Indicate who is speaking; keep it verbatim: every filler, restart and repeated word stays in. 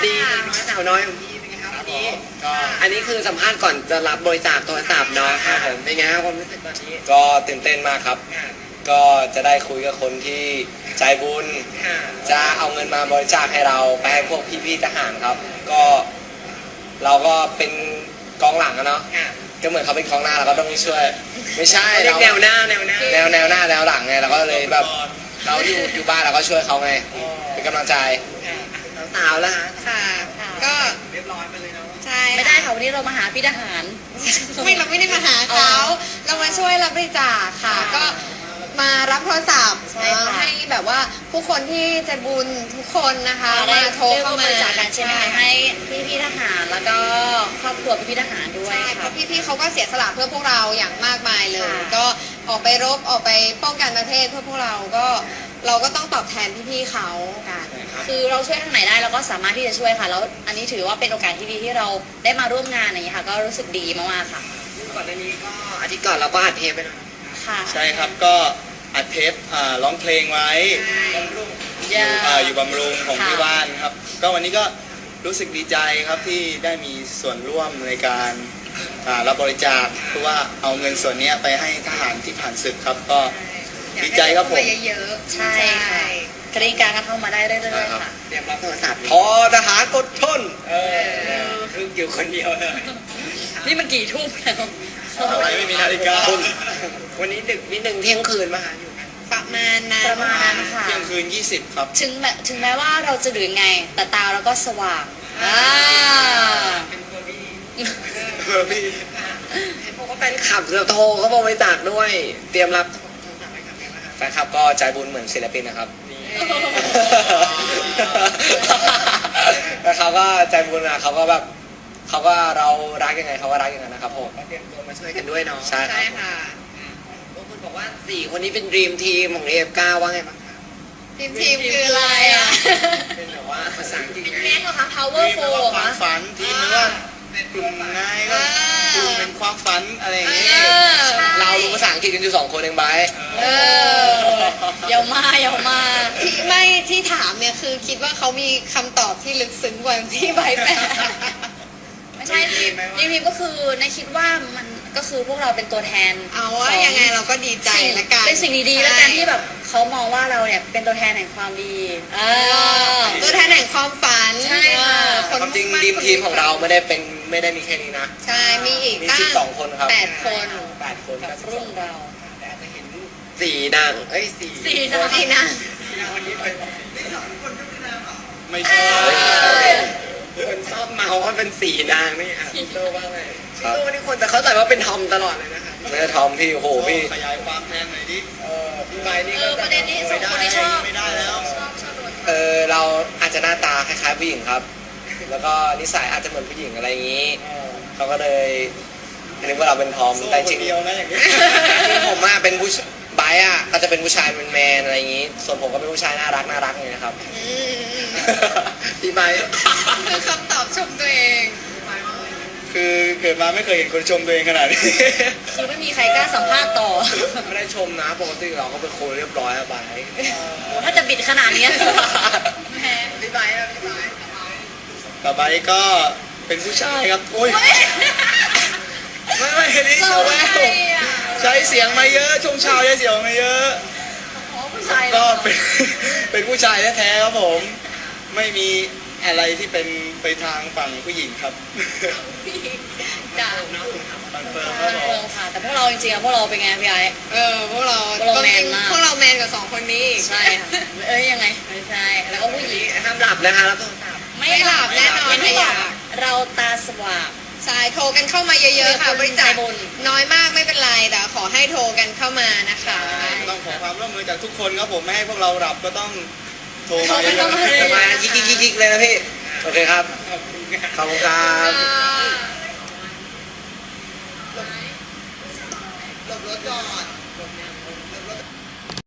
Speaker 1: ดีน้อยสาวน้อยของพี่เป็นไงครับวันนี้
Speaker 2: ก็
Speaker 1: อันนี้คือสัมภาษณ์ก่อนจะรับบริจาคโทรศัพท์เนาะครับผมเป็นไงครับความรู้สึกตอนนี้
Speaker 2: ก็ตื่นเต้นมากครับ ก็จะได้คุยกับคนที่ใจบุญ
Speaker 1: ค่ะ
Speaker 2: จะเอาเงินมาบริจาคให้เราไปให้พวกพี่ๆทหารครับ ก็เราก็เป็นกองหลังอะเนาะ
Speaker 1: ค่ะ
Speaker 2: ก็เหมือนเขาเป็นกองหน้าเราก็ต้องช่วย ไม่ใช่
Speaker 1: เรียก
Speaker 2: เรา
Speaker 1: แนวหน้าแนวหน้า
Speaker 2: แนวแนวหน้าแนวหลังไงเราก็เลยแบบเราอยู่อยู่บ้านเราก็ช่วยเขาไงเป็นกำลังใจ
Speaker 1: ค่ะสาวๆแล้วฮะ
Speaker 3: ค่ะ ก็
Speaker 1: เรียบร้อยไปเลยเนาะ
Speaker 3: ใช่
Speaker 4: ไม่ได้ค่ะวันนี้เรามาหาพี่ทหาร
Speaker 3: ไม่เราไม่ได้มาหาเขา เรามาช่วยรับบริจาคค่ะ ก็มารับโทรศัพท์
Speaker 4: ใช่ค่ะ
Speaker 3: ให้แบบว่าผู้คนที่ใจบุญทุกคนนะคะมาโทรเข้ามา
Speaker 4: บริจาคกันใช่ไหมคะให้พี่พี่ๆทหารแล้วก็ครอบครัวพี่พี่ๆทหารด้วย
Speaker 3: ใช่เพ
Speaker 4: ค่ะ
Speaker 3: ราะพี่ๆเขาก็เสียสละเพื่อพวกเราอย่างมากมายเลย
Speaker 4: ค่ะ
Speaker 3: ก็ออกไปรบออกไปป้องกันประเทศเพื่อพวกเราก็เราก็ต้องตอบแทนพี่ๆเขากัน
Speaker 4: คือเราช่วยทางไหนได้เราก็สามารถที่จะช่วยค่ะแล้วอันนี้ถือว่าเป็นโอกาสที่ดีที่เราได้มาร่วมงานอย่างนี้ยค่ะ ก็รู้สึกดีมากๆค่ะ
Speaker 1: ก่อนหน้านี้ก็อาทิตย์ก่อนเราก็อัดเทปไปแล้ว
Speaker 4: ค่ะ
Speaker 2: ใช่ครับก็อัดเทปอ่าร้องเพลงไว้อยู่อ่าอยู่บำรุงของ
Speaker 4: ค่ะ
Speaker 2: ที่บ้านครับ ก็วันนี้ก็รู้สึกดีใจครับที่ได้มีส่วนร่วมในการอ่ารับบริจาคเพื่อว่าเอาเงินส่วนนี้ไปให้ทหารที่ผ่านศึกครับก็ดีใจครับผม
Speaker 3: อยากให้เข้าาเยอะๆ
Speaker 4: ใช่ค่ะกรีดการกันเข้ามาได้เรื่อยๆค่ะ
Speaker 1: เตรียมรับโทรศัพท์
Speaker 2: พอทหารอดทน
Speaker 1: เออคืออยู่คนเดียวเลย
Speaker 4: นี่มันกี่ทุ่มแล้ว
Speaker 2: อะไรไม่มีนาฬิกา
Speaker 1: วันนี้ดึกนิดนึงเที่ยงคืนมาหาอยู่กัน
Speaker 3: ประมาณนั้น
Speaker 4: ประมาณนั้นค่ะ
Speaker 2: เที่ยงคืนยี่สิบครับ
Speaker 4: ถึงแม้ถึงแม้ว่าเราจะดื่นไง แต่ตาเราก็สว่างอ่า
Speaker 1: เป็นคนดี
Speaker 2: เออพี่
Speaker 1: เห็นบอกว่าแฟนคลับจะโทรเขาบริจาคด้วย เตรียมรับโทรศัพท์ไว้ครับ
Speaker 2: แฟนคลับก็ใจบุญเหมือนศิลปินนะครับ แล้วเขาก็ใจบุญนะเขาก็แบบเขาก็เรารักยังไงเขาก็รักอย่างนั้นนะครับผม
Speaker 1: ก็เตรียมตัวมาช่วยกันด้วยเนาะ
Speaker 2: ใช่
Speaker 3: ใช่ค่ะ
Speaker 1: บางคนบอกว่าสี่คนนี้เป็นดรีมทีมของเอฟเก้าว่าไงบ้างคะ
Speaker 3: ทีมทีมคืออะไรอ่ะ
Speaker 1: เป็นแบบว่าภาษาอังกฤษไง
Speaker 4: แม็กเหรอคะ power
Speaker 2: ทีม
Speaker 4: four
Speaker 2: แปล
Speaker 4: เหร
Speaker 2: ว่า
Speaker 4: อ
Speaker 2: ความ
Speaker 4: คะ
Speaker 2: ฝันทีมแปลว่ากลุ่มนายก็กลุ่มเป็นความฝันอะไรอย่างงี้
Speaker 3: เออ
Speaker 2: เรารู้ภาษาอังกฤษกันอยู่สองคนเองไบร์ท
Speaker 3: เออ
Speaker 4: อย่ามาอย่ามา
Speaker 3: ที่ไม่ที่ถามเนี่ยคือคิดว่าเขามีคำตอบที่ลึกซึ้งกว่าที่ใบแปะ
Speaker 4: ไม่ใช่ทีมทีมก็คือในคิดว่ามันก็คือพวกเราเป็นตัวแทน
Speaker 3: เอาว่ายังไงเราก็ดีใจ
Speaker 4: สิ่ง
Speaker 3: ละกัน
Speaker 4: เป็นสิ่งดีๆแล้วกันที่แบบเขามองว่าเราเนี่ยเป็นตัวแทนแห่งความดีเออ
Speaker 3: ตัวแทนแห่งความฝัน
Speaker 4: ใช่ค่ะ
Speaker 3: เออคน
Speaker 2: ความจริง
Speaker 3: มุ่
Speaker 2: ทีม
Speaker 3: น
Speaker 2: ทีมของเราไม่ได้เป็นไม่ได้มีแค่นี้นะ
Speaker 3: ใช่มีอีก
Speaker 2: มี
Speaker 3: ตั้ง
Speaker 2: สิบสองคนครับ
Speaker 3: แปดคน
Speaker 2: แปดคน
Speaker 4: กับรุ่นเรา
Speaker 1: แต่อาจจะเห็นสี่นางเอ้ยสี่
Speaker 4: สี่
Speaker 1: คน
Speaker 4: นาง
Speaker 3: ที่นะ
Speaker 1: สี่นางวันนี้ไปไม่สองคนก็คือนางเหรอ
Speaker 2: ไม่ใช่
Speaker 1: คนชอบเมาว่าเป็นสี่นางนี่อ่ะพี่โตว่าไงพี่โตนี่คนแต่เข้าใจว่าเป็นทอมตลอดเลยนะคะ
Speaker 2: ไม่ได้ทอมพี่โอ้โหพี่
Speaker 5: ขยายความแทนหน่อยดิ
Speaker 1: เออพี่ไม้นี่
Speaker 4: เอ
Speaker 1: ก็
Speaker 4: อประเด็นนี้สองคนที่ชอบ
Speaker 5: ไม่ได้แล้ว
Speaker 4: ชอบชอบโดน
Speaker 2: เออเราอาจจะหน้าตาคล้ายๆผู้หญิงครับ แล้วก็นิสัยอาจจะเหมือนผู้หญิงอะไรอย่างนี้ เขาก็เลยนึกว่าเราเป็นทอม
Speaker 5: สู้
Speaker 2: แต่
Speaker 5: ค
Speaker 2: จริ
Speaker 5: น
Speaker 2: ง
Speaker 5: เดียวนะอย่างนี้
Speaker 2: ๆผมอะเป็นผู้ชไบร์ทอะก็จะเป็นผู้ชายแมนๆอะไรอย่างนี้ ส่วนผมก็เป็นผู้ชายน่ารักน่ารักอย่างนี้นะครับ
Speaker 3: อืม
Speaker 1: พี่ไม้
Speaker 3: คือคำตอบชมตัวเอง
Speaker 5: คือเกิดมาไม่เคยเห็นคนชมตัวเองขนาดนี้
Speaker 4: คือไม่มีใครกล้าสัมภาษณ์ต่อ
Speaker 2: ไม่ได้ชมนะปกติเราก็เป็นคนเรียบร้อยอะไบร์ท
Speaker 4: โอ้ถ้าจะบิดขนาดเนี้ยแหม
Speaker 1: พี่ไม้อะพี่ไม้
Speaker 5: ต่อไปก็เป็นผู้ชายครับโอ้ย
Speaker 2: ไม่ไม่นี่
Speaker 4: เรา
Speaker 2: ชาวแว
Speaker 4: ใคร
Speaker 2: ว
Speaker 4: อ่ะ
Speaker 5: ใช้เสียงมาเยอะช่วงเช้าใช้เสียงมาเยอะ
Speaker 4: อ๋อผู้ชาย
Speaker 5: ก็เป็น เป็นผู้ชายแท้ๆครับผม ไม่มีอะไรที่เป็นไปทางฝั่งผู้หญิงครับ
Speaker 4: จ้า
Speaker 5: คอนเฟิร์มค
Speaker 4: เอ
Speaker 5: รับผม
Speaker 4: อค่ะ แต่พวกเราจริงๆอะพวกเราเป็นไงพี่ไอ้
Speaker 3: เออพวกเรา
Speaker 4: พวกเราแมนมาก
Speaker 3: พวกเราแมนกับสองคนนี้อีก
Speaker 4: ใช่ค่ะเอ้ยยังไงไม่ใช่ แล้วก็ผู้หญิง
Speaker 1: ห้ามหลับนะคะแล้วโทรศัพท์
Speaker 4: ไม่
Speaker 3: ไม่หลับแน่นอน
Speaker 4: ย่างที่บอก
Speaker 3: ไม่หลับ
Speaker 4: เราตาสว่าง
Speaker 3: ใช่โทรกันเข้ามาเยอะๆค่ะ
Speaker 4: คุ
Speaker 3: บ
Speaker 4: ณ
Speaker 3: ริจาค
Speaker 4: ใจบุญ
Speaker 3: น้อยมากไม่เป็นไรแต่ขอให้โทรกันเข้ามานะคะ
Speaker 5: ต้องขอความร่วมมือจากทุกคนครับผมไม่ให้พวกเราหลับก็ต้องโทร
Speaker 4: โทร
Speaker 5: มา
Speaker 4: ไป
Speaker 5: เย
Speaker 4: เข้า
Speaker 5: อะ
Speaker 4: มาเลย
Speaker 2: ประมาณยิกยิกยิกยิกเลยนะพี่ โอเคครับ ขอบคุณครับ
Speaker 1: หลบรถก่อน